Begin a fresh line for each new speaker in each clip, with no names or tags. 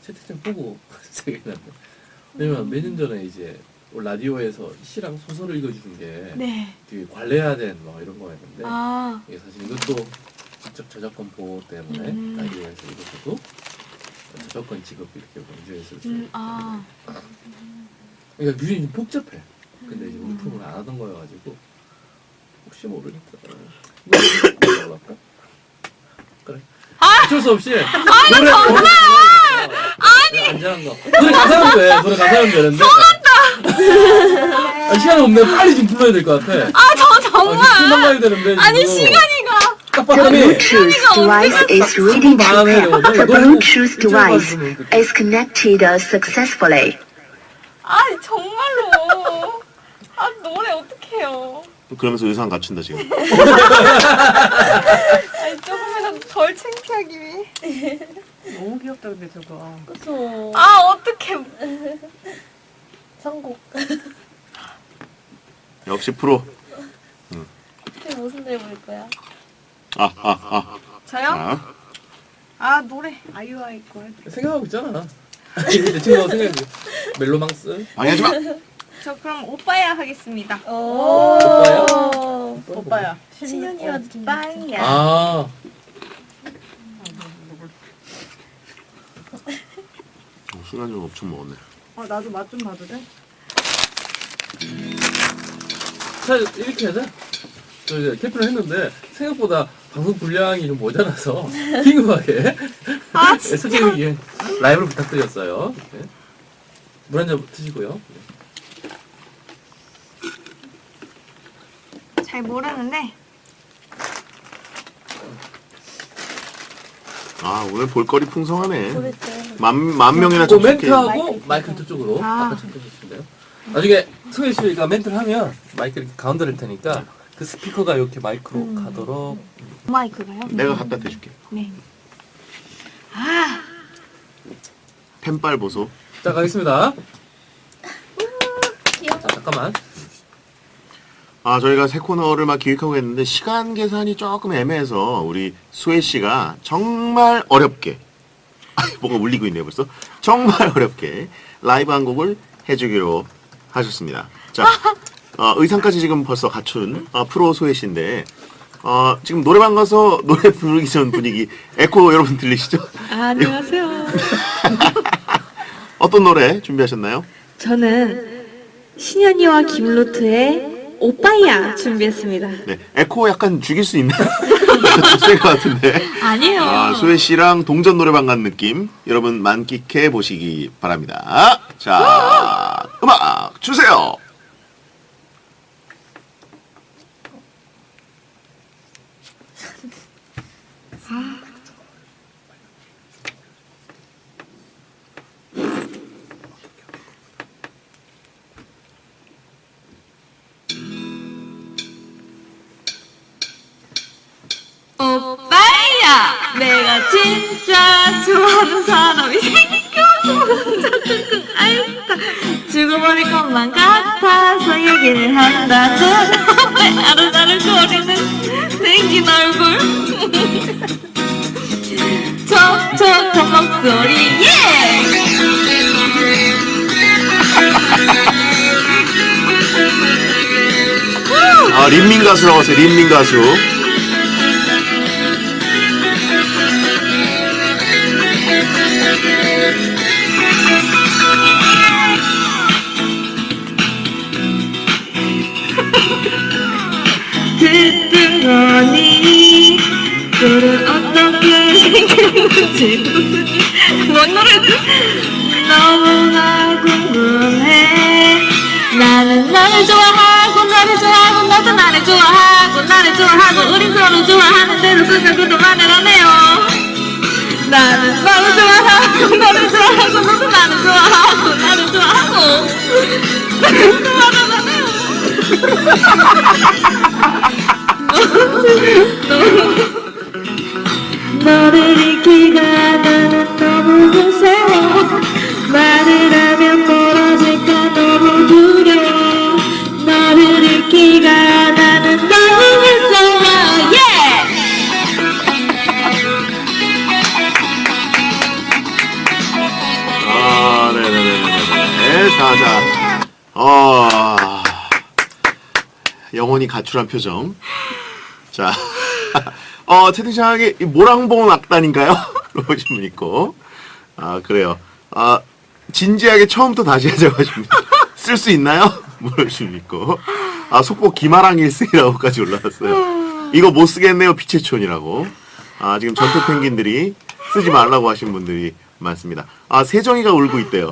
채팅창 보고 생각이 났네. 왜냐면 몇 년 전에 이제 라디오에서 시랑 소설을 읽어주는 게
네.
되게 관례화된 뭐 이런 거였는데
아.
이게 사실 이것도 직접 저작권 보호 때문에 라디오에서 이것도 저작권 지급 이렇게 문제였을 수 있기
아.
때문에 그러니까 규정이 좀 복잡해. 근데 이제 우리 프로그램을 안 하던 거여가지고 혹시 모르니까 이거 할까? 그래. 어쩔 수 없이 노래 정말 안전한 거 노래 가사는 돼. 노래 가사는 되는데 시간 없네. 빨리 지금 불러야 될 것 같아.
저 정말.
금방 가야 되는데
아니
지금.
시간이가.
딱
The
봤더니
Bluetooth device is ready to pair. The Bluetooth device is connected successfully.
아니 정말로. 아 노래 어떡해요.
그러면서 의상 갖춘다 지금.
아니 조금이라도 덜 창피하기 위해.
너무 귀엽다 근데 저거.
그쵸.
아 어떡해.
선곡.
역시 프로.
그게 무슨 노래 부를 거야?
저요?
아.
아 노래.
아이오아이 거 해드릴게요.
생각하고 있잖아. 이제 친구가 생각해. 멜로망스.
방해하지 마.
저 그럼 오빠야 하겠습니다.
오.
오빠야.
신현이와 빵이야.
아.
순간 좀 엄청 먹었네.
나도 맛 좀 봐도 돼?
자 이렇게 하자. 저 이제 캠프를 했는데 생각보다 방송 분량이 좀 모자라서 긴급하게 솔직히 라이브를 부탁드렸어요. 물 한 잔 드시고요.
잘 모르는데.
아 오늘 볼거리 풍성하네.
그랬죠.
만 명이나
그
접속해.
멘트하고 마이크 저쪽으로 아까 참고하셨는데요. 나중에 승혜 씨가 멘트를 하면 마이크 이렇게 가운데를 테니까 그 스피커가 이렇게 마이크로 가도록.
마이크가요?
내가 갖다 대줄게.
네.
펜빨 보소.
자 가겠습니다.
귀여워.
자 잠깐만.
아 저희가 새 코너를 막 기획하고 했는데 시간 계산이 조금 애매해서 우리 수혜 씨가 정말 어렵게 뭔가 울리고 있네요 벌써. 정말 어렵게 라이브 한 곡을 해주기로 하셨습니다. 자 의상까지 지금 벌써 갖춘 프로 수혜 씨인데 지금 노래방 가서 노래 부르기 전 분위기 에코 여러분 들리시죠?
안녕하세요.
어떤 노래 준비하셨나요?
저는 신현이와 김루트의 오빠야 준비했습니다.
네, 에코 약간 죽일 수 있나요? 셀것 같은데.
아니에요.
수혜 씨랑 동전 노래방 간 느낌 여러분 만끽해 보시기 바랍니다. 자, 음악 주세요.
오빠야, 내가 진짜 좋아하는 사람이 생겨서 끙끙 앓다 죽어버릴 것만 같아서 얘기를 한다는 왜 아른아른거리는 생긴 얼굴 촉촉한 목소리
린민 가수라고 하세요. 린민 가수.
듣던 거니 너는 어떻게 생겼는지 뭔 노래지? 너무나 궁금해 나는 너를 좋아하고 너를 좋아하고 너도 나를 좋아하고 나를 좋아하고 우린 서로 좋아하는 대로 생각도 많으라네요 나는 너를 좋아하고 너를 좋아하고 너도 나를 좋아하고 나를 좋아하고 나를 좋아하라네요 너를 잊기가 나는 너무 무서워 말을 하면 멀어질까 너무 두려워 너를 잊기가 나는 너무 무서워 yeah!
자. 영혼이 가출한 표정. 자. 채팅창에 모랑봉 악단인가요? 물어보신 분 있고. 그래요. 진지하게 처음부터 다시 하자고 하십니다. 쓸 수 있나요? 물어보신 분 있고. 속보 기마랑 1승이라고까지 올라왔어요. 이거 못 쓰겠네요, 피체촌이라고. 지금 전투 펭귄들이 쓰지 말라고 하신 분들이 많습니다. 세정이가 울고 있대요.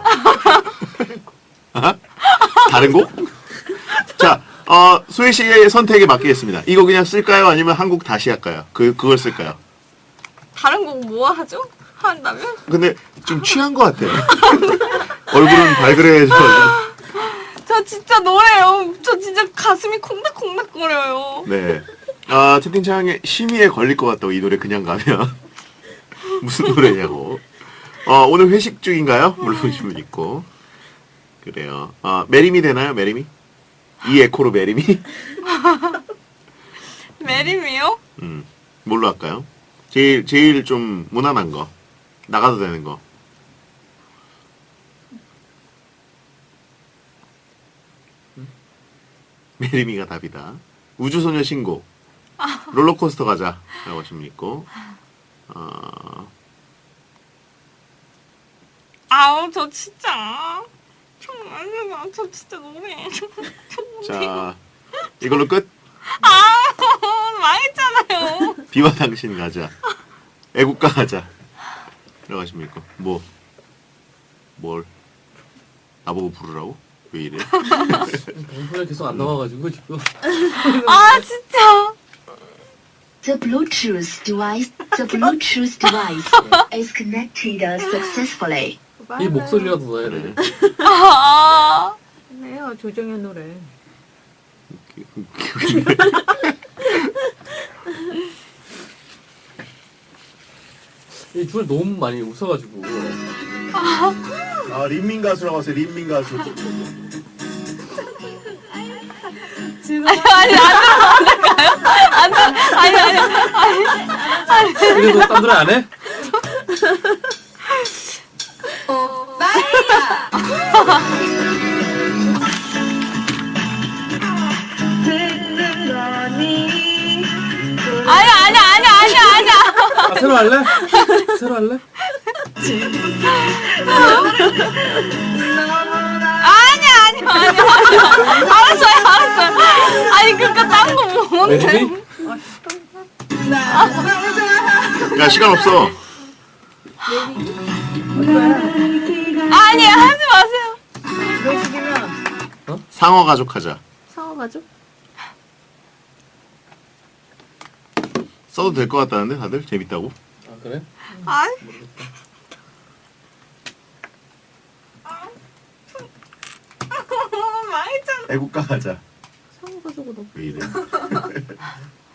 다른 곡? 자, 소희 씨의 선택에 맡기겠습니다. 이거 그냥 쓸까요? 아니면 한국 다시 할까요? 그걸 쓸까요?
다른 곡 뭐 하죠? 한다면?
근데 좀 취한 것 같아요. 얼굴은 발그레해져.
저 진짜 노래요. 저 진짜 가슴이 콩닥콩닥거려요.
네. 채팅창에 심의에 걸릴 것 같다고 이 노래 그냥 가면. 무슨 노래냐고. 오늘 회식 중인가요? 물어보신 분 있고. 그래요. 메리미 되나요? 메리미? 이 에코로 메리미?
메리미요?
뭘로 할까요? 제일 좀 무난한 거. 나가도 되는 거. 메리미가 답이다. 우주소녀 신곡. 롤러코스터 가자. 라고 하시면 있고.
아우 저 진짜 저 진짜 노래
자, 이걸로 끝.
망했잖아요.
비와 당신 가자. 애국가 가자. 라고 하시면 있고. 뭘? 나보고 부르라고? 왜 이래?
방송에 계속 안 나와가지고 지금.
진짜.
The Bluetooth device is connected successfully.
이 목소리라도 넣어야 돼.
네요 조정현 노래.
이 주에 너무 많이 웃어가지고.
린민 가수라고 하세요. 린민 가수.
그래서 딴 노래 안 해?
아니야.
새로 할래? 새로 할래?
아니야. 알았어요. 아니 그니까 딴 거 뭔데?
메리미?
야, 시간 없어.
아니야 하지 마세요.
외식이면
상어 가족 하자.
상어가죠?
써도 될 것 같다는데 다들 재밌다고?
그래?
아니. 망했잖아.
애국가 하자.
상어가지고 너무
왜 이래?